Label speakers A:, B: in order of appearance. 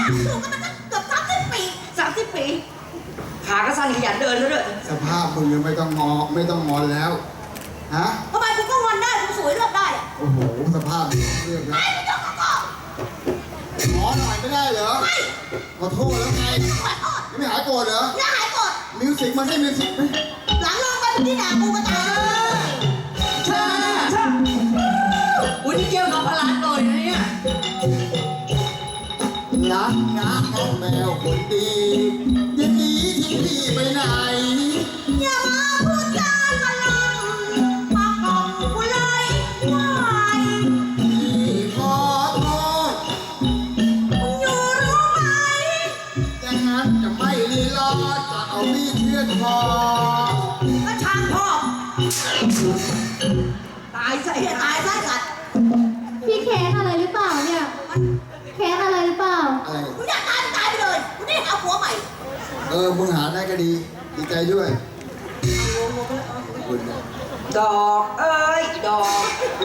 A: อยู่กันมาตั้งเกือบ30 ปี
B: 30 ปีขาก็สั้นขยันเดินแล้วด้วย
C: สภาพมึงยังไม่ต้องงอนแล้วฮะ
A: ทำไมกูก็งอนได้กูสวยเลือกได้
C: โอ้โหสภาพดีเรื่องแล้ว
A: ไม่ต้องก็
C: ขอหน่อยไม่ได้เหรอ
A: ไม่
C: ขอโทษแล้วไง
A: ขอโทษ
C: ไม่หายโกรธเหรอ
A: อย่าหายโกรธ
C: มิวสิกมันให้มิวสิกไหม
A: หลังลงไปที่ด่ากูก็ตาย
B: ใช่อุ้ยนี่เกี่ยวกับพลังหน่อยนะเนี่ย
C: รักนะน้องแมวคนดีอย่าหนีทิ้งพี่ไปไหน
A: อย่ามาพูดจามาลำมากล่อมกูเลยว่า
C: พี่ขอโทษ
A: มึงอยู่รู้ไหม
C: อย่างนั้นจะไม่รีรอจะเอามีดเชือดคอ
A: ก็ช่างพ่อ
B: ตายใส่
A: ตายซะสัตว์
D: พี่แค้นอะไรหรือเปล่าเนี่ยแค้นอะไรหรือเปล่า
C: อะไร
A: มึงอยากตายไปเลยมึงได้เอาผัวใหม่
C: มึงหาได้ก็ดีดีใจด้วยขอบคุณนะ
B: ดอกเอ้ยดอก